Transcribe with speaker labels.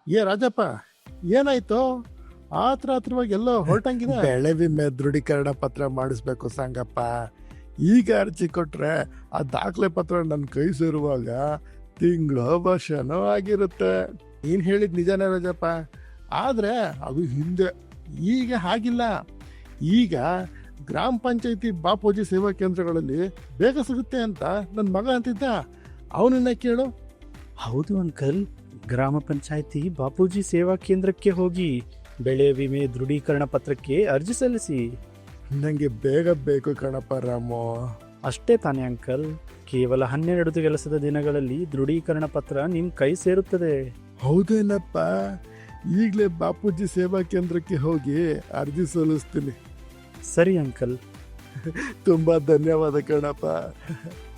Speaker 1: ಏ ರಾಜಪ್ಪ, ಏನಾಯ್ತು? ಆತ್ರವಾಗಿ ಎಲ್ಲೋ ಹೊರಟಂಗಿದೆ. ಬೆಳೆ ವಿಮೆ ದೃಢೀಕರಣ ಪತ್ರ ಮಾಡಿಸ್ಬೇಕು ಸಂಗಪ್ಪ. ಈಗ ಅರ್ಜಿ ಕೊಟ್ರೆ ಆ ದಾಖಲೆ ಪತ್ರ ನನ್ನ ಕೈ ಸೇರುವಾಗ ತಿಂಗಳು ವರ್ಷನೋ ಆಗಿರುತ್ತೆ. ನೀನ್ ಹೇಳಿದ್ ನಿಜಾನೇ ರಾಜಪ್ಪ, ಆದ್ರೆ ಅದು ಹಿಂದೆ. ಈಗ ಹಾಗಿಲ್ಲ. ಈಗ ಗ್ರಾಮ ಪಂಚಾಯತಿ ಬಾಪೂಜಿ ಸೇವಾ ಕೇಂದ್ರಗಳಲ್ಲಿ ಬೇಗ ಸಿಗುತ್ತೆ ಅಂತ ನನ್ನ ಮಗ ಅಂತಿದ್ದ. ಅವನನ್ನ ಕೇಳು.
Speaker 2: ಹೌದು ಅಂಕಲ್, ಗ್ರಾಮ ಪಂಚಾಯಿತಿ ಬಾಪೂಜಿ ಸೇವಾ ಕೇಂದ್ರಕ್ಕೆ ಹೋಗಿ ಬೆಳೆ ವಿಮೆ ದೃಢೀಕರಣ ಪತ್ರಕ್ಕೆ ಅರ್ಜಿ ಸಲ್ಲಿಸಿ.
Speaker 1: ನಂಗೆ ಬೇಗ ಬೇಕು ಕಣಪ್ಪ ರಾಮು.
Speaker 2: ಅಷ್ಟೇ ತಾನೇ ಅಂಕಲ್, ಕೇವಲ 12 ಕೆಲಸದ ದಿನಗಳಲ್ಲಿ ದೃಢೀಕರಣ ಪತ್ರ ನಿಮ್ಮ ಕೈ ಸೇರುತ್ತದೆ.
Speaker 1: ಹೌದೇನಪ್ಪ, ಈಗಲೇ ಬಾಪೂಜಿ ಸೇವಾ ಕೇಂದ್ರಕ್ಕೆ ಹೋಗಿ ಅರ್ಜಿ ಸಲ್ಲಿಸ್ತೀನಿ.
Speaker 2: ಸರಿ ಅಂಕಲ್.
Speaker 1: ತುಂಬಾ ಧನ್ಯವಾದ ಕಣಪ್ಪ.